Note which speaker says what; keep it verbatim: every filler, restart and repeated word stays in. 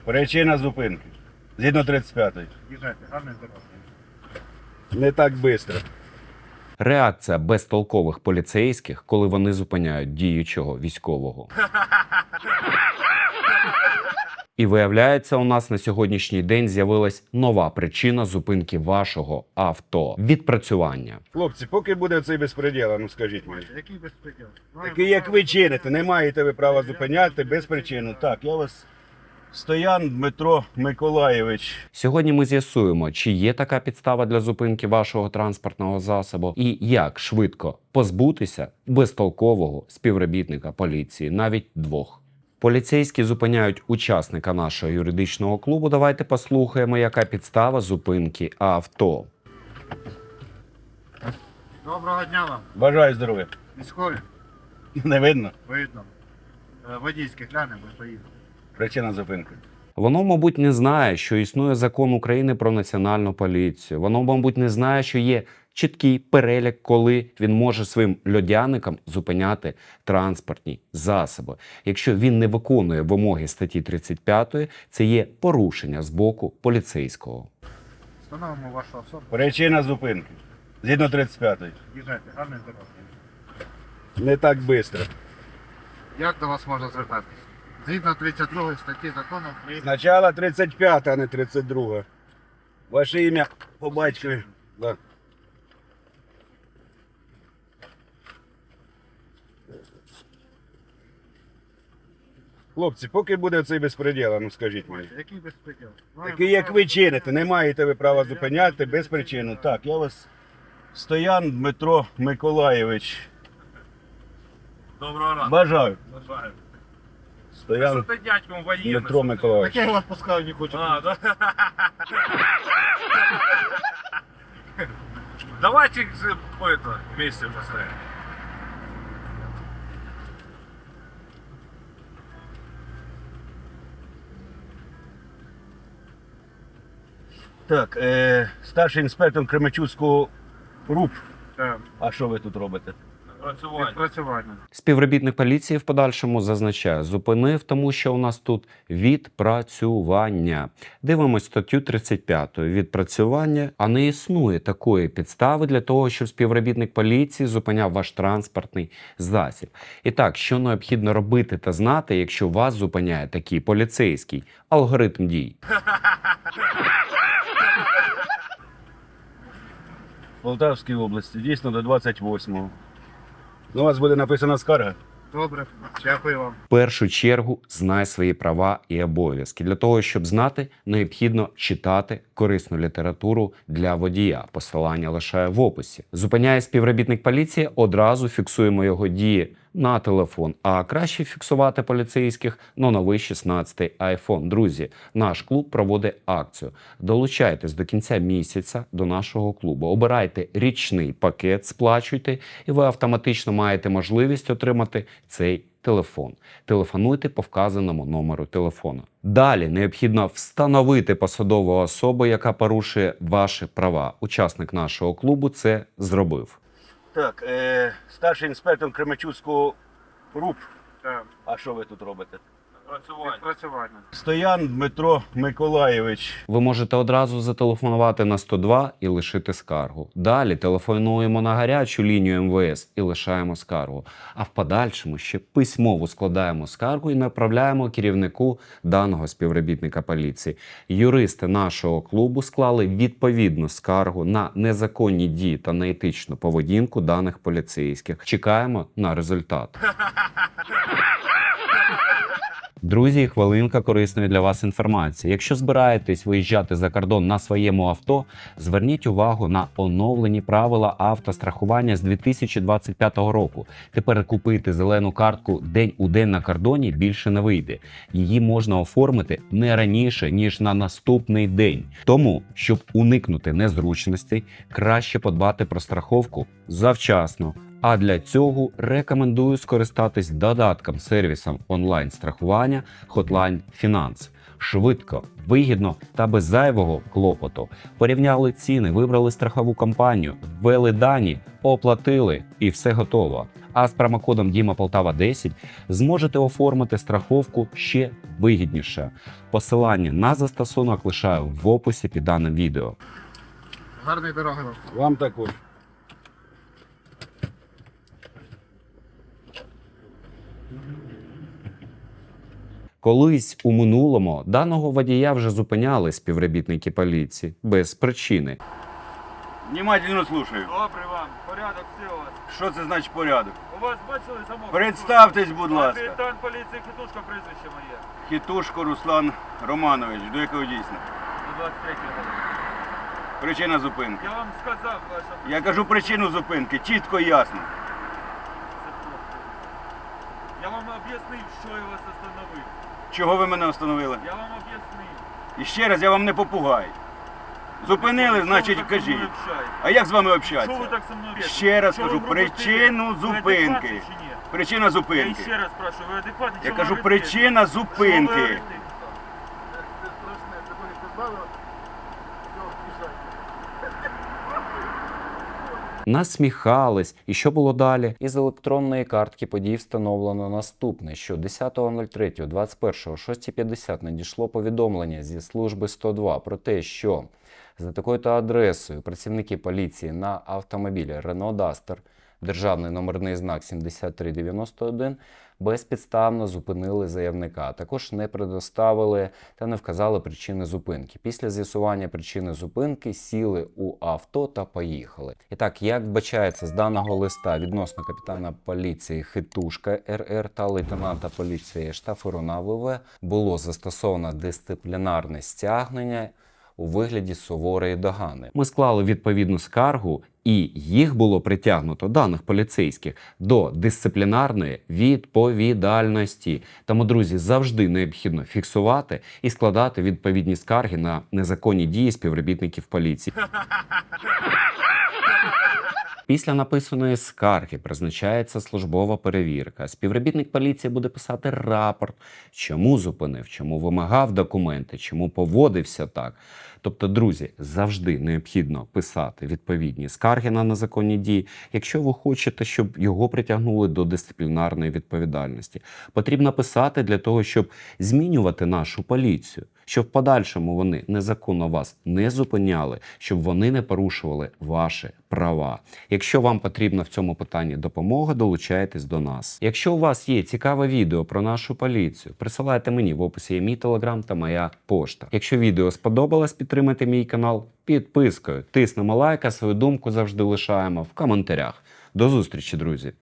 Speaker 1: Причина зупинки. Згідно тридцять п'ятої.
Speaker 2: Їжджайте, гарної дороги.
Speaker 1: Не так швидко.
Speaker 3: Реакція безтолкових поліцейських, коли вони зупиняють діючого військового. І виявляється, у нас на сьогоднішній день з'явилась нова причина зупинки вашого авто – відпрацювання.
Speaker 1: Хлопці, поки буде цей безпреділ, ну скажіть мені.
Speaker 2: Який безпреділ?
Speaker 1: Такий, як ви чините, не маєте ви права зупиняти без причини. Так, я вас... Стоян Дмитро Миколаєвич.
Speaker 3: Сьогодні ми з'ясуємо, чи є така підстава для зупинки вашого транспортного засобу і як швидко позбутися безтолкового співробітника поліції, навіть двох. Поліцейські зупиняють учасника нашого юридичного клубу. Давайте послухаємо, яка підстава зупинки авто.
Speaker 2: Доброго дня вам.
Speaker 1: Бажаю здоров'я.
Speaker 2: Військові,
Speaker 1: Не видно?
Speaker 2: видно. Е, Водійське глянемо і поїдемо.
Speaker 1: Причина зупинки.
Speaker 3: Воно, мабуть, не знає, що існує закон України про національну поліцію. Воно, мабуть, не знає, що є чіткий перелік, коли він може своїм льодяникам зупиняти транспортні засоби. Якщо він не виконує вимоги статті тридцять п'ятої, це є порушення з боку поліцейського.
Speaker 2: Встановимо вашу особу.
Speaker 1: Причина зупинки. Згідно тридцять п'ятої.
Speaker 2: Їжджайте, гарної дороги.
Speaker 1: Не так швидко.
Speaker 2: Як до вас можна звертатись? Згідно тридцять другої статті закону України.
Speaker 1: Спочатку тридцять п'ята, а не тридцять друга. Ваше ім'я по батькові. Да. Хлопці, поки буде цей безпреділ, ну скажіть мені.
Speaker 2: Який безпреділ?
Speaker 1: Такий, як ви чините, не маєте ви права зупиняти без причини. Так, я вас... Стоян Дмитро Миколаєвич.
Speaker 4: Доброго ранку.
Speaker 1: Бажаю.
Speaker 4: Бажаю.
Speaker 1: Стоян
Speaker 4: Що ти дядьком воєнний?
Speaker 1: Дмитро Миколаєвич.
Speaker 2: Так я вас пускаю не хочу.
Speaker 4: А, да? Давайте э, это, вместе поставим.
Speaker 1: Так, е, старший інспектор Кременчуцького РУП.
Speaker 2: Так,
Speaker 1: А що ви тут робите?
Speaker 4: Працювання.
Speaker 2: відпрацювання.
Speaker 3: Співробітник поліції в подальшому зазначає, зупинив, тому що у нас тут відпрацювання. Дивимось статтю тридцять п'яту. Відпрацювання, а не існує такої підстави для того, щоб співробітник поліції зупиняв ваш транспортний засіб. І так, що необхідно робити та знати, якщо вас зупиняє такий поліцейський алгоритм дій?
Speaker 1: В Полтавській області, дійсно до двадцять восьмого. Ну, у вас буде написана скарга.
Speaker 2: Добре, дякую вам.
Speaker 3: В першу чергу знай свої права і обов'язки. Для того, щоб знати, необхідно читати корисну літературу для водія. Посилання лишаю в описі. Зупиняє співробітник поліції, одразу фіксуємо його дії на телефон. А краще фіксувати поліцейських на новий шістнадцятий айфон. Друзі, наш клуб проводить акцію. Долучайтесь до кінця місяця до нашого клубу. Обирайте річний пакет, сплачуйте, і ви автоматично маєте можливість отримати цей телефон. Телефонуйте по вказаному номеру телефону. Далі необхідно встановити посадову особу, яка порушує ваші права. Учасник нашого клубу це зробив.
Speaker 1: Так, е, старший інспектор Кременчуцького РУП.
Speaker 2: Так,
Speaker 1: А що ви тут робите?
Speaker 4: Працювання.
Speaker 2: відпрацювання.
Speaker 1: Стоян Дмитро Миколаєвич.
Speaker 3: Ви можете одразу зателефонувати на сто два і лишити скаргу. Далі телефонуємо на гарячу лінію ем ве ес і лишаємо скаргу. А в подальшому ще письмово складаємо скаргу і направляємо керівнику даного співробітника поліції. Юристи нашого клубу склали відповідну скаргу на незаконні дії та неетичну поведінку даних поліцейських. Чекаємо на результат. Друзі, хвилинка корисної для вас інформації. Якщо збираєтесь виїжджати за кордон на своєму авто, зверніть увагу на оновлені правила автострахування з дві тисячі двадцять п'ятого року. Тепер купити зелену картку день у день на кордоні більше не вийде. Її можна оформити не раніше, ніж на наступний день. Тому, щоб уникнути незручностей, краще подбати про страховку завчасно. А для цього рекомендую скористатись додатком сервісом онлайн-страхування Hotline Finance. Швидко, вигідно та без зайвого клопоту. Порівняли ціни, вибрали страхову компанію, ввели дані, оплатили і все готово. А з промокодом Діма Полтава десять зможете оформити страховку ще вигідніше. Посилання на застосунок лишаю в описі під даним відео.
Speaker 2: Гарної дороги вам.
Speaker 1: Вам також.
Speaker 3: Колись у минулому даного водія вже зупиняли співробітники поліції без причини.
Speaker 1: Внимательно слушаю.
Speaker 4: Добрий вам, порядок все у вас.
Speaker 1: Що це значить порядок?
Speaker 4: У вас бачили замок?
Speaker 1: Представтесь, будь ласка.
Speaker 4: Капітан поліції Хитушка, прізвище моє.
Speaker 1: Хітушко Руслан Романович, до якого дійсно?
Speaker 4: До двадцять третього.
Speaker 1: Причина зупинки.
Speaker 4: Я вам сказав, ваша...
Speaker 1: Я кажу причину зупинки, чітко і ясно.
Speaker 4: Це просто. Я вам об'яснив, що я вас остановив.
Speaker 1: Чого ви мене встановили?
Speaker 4: Я вам об'яснив.
Speaker 1: І ще раз, я вам не попугай. Зупинили,
Speaker 4: Що
Speaker 1: значить
Speaker 4: ви так зі мною
Speaker 1: кажіть.
Speaker 4: общаєтесь?
Speaker 1: А як з вами
Speaker 4: Що ви
Speaker 1: общатися?
Speaker 4: так зі мною общаєтесь?
Speaker 1: Ще раз
Speaker 4: Що
Speaker 1: кажу,
Speaker 4: ви робите?
Speaker 1: причину
Speaker 4: Ви
Speaker 1: зупинки.
Speaker 4: адекватні чи ні?
Speaker 1: Причина
Speaker 4: Я
Speaker 1: зупинки.
Speaker 4: ще раз спрашиваю, ви адекватні?
Speaker 1: Я
Speaker 4: Що
Speaker 1: кажу,
Speaker 4: ви робите?
Speaker 1: причина
Speaker 4: Що ви
Speaker 1: зупинки.
Speaker 4: робите?
Speaker 2: Це страшне, це коли позбавило. Все, біжать.
Speaker 3: Насміхались. І що було далі? Із електронної картки подій встановлено наступне, що десятого третього двадцять першого о шостій п'ятдесят надійшло повідомлення зі служби сто два про те, що за такою-то адресою працівники поліції на автомобілі Renault Duster, державний номерний знак сімдесят три дев'яносто один, безпідставно зупинили заявника, а також не предоставили та не вказали причини зупинки. Після з'ясування причини зупинки сіли у авто та поїхали. І так, як вбачається з даного листа відносно капітана поліції Хитушка РР та лейтенанта поліції Штафируна ВВ, було застосовано дисциплінарне стягнення у вигляді суворої догани. Ми склали відповідну скаргу, і їх було притягнуто, даних поліцейських, до дисциплінарної відповідальності. Тому, друзі, завжди необхідно фіксувати і складати відповідні скарги на незаконні дії співробітників поліції. Після написаної скарги призначається службова перевірка. Співробітник поліції буде писати рапорт, чому зупинив, чому вимагав документи, чому поводився так. Тобто, друзі, завжди необхідно писати відповідні скарги на незаконні дії, якщо ви хочете, щоб його притягнули до дисциплінарної відповідальності. Потрібно писати для того, щоб змінювати нашу поліцію, щоб в подальшому вони незаконно вас не зупиняли, щоб вони не порушували ваші права. Якщо вам потрібна в цьому питанні допомога, долучайтесь до нас. Якщо у вас є цікаве відео про нашу поліцію, присилайте мені, в описі є мій телеграм та моя пошта. Якщо відео сподобалось, підтримайте мій канал підпискою, тиснемо лайк, а свою думку завжди лишаємо в коментарях. До зустрічі, друзі!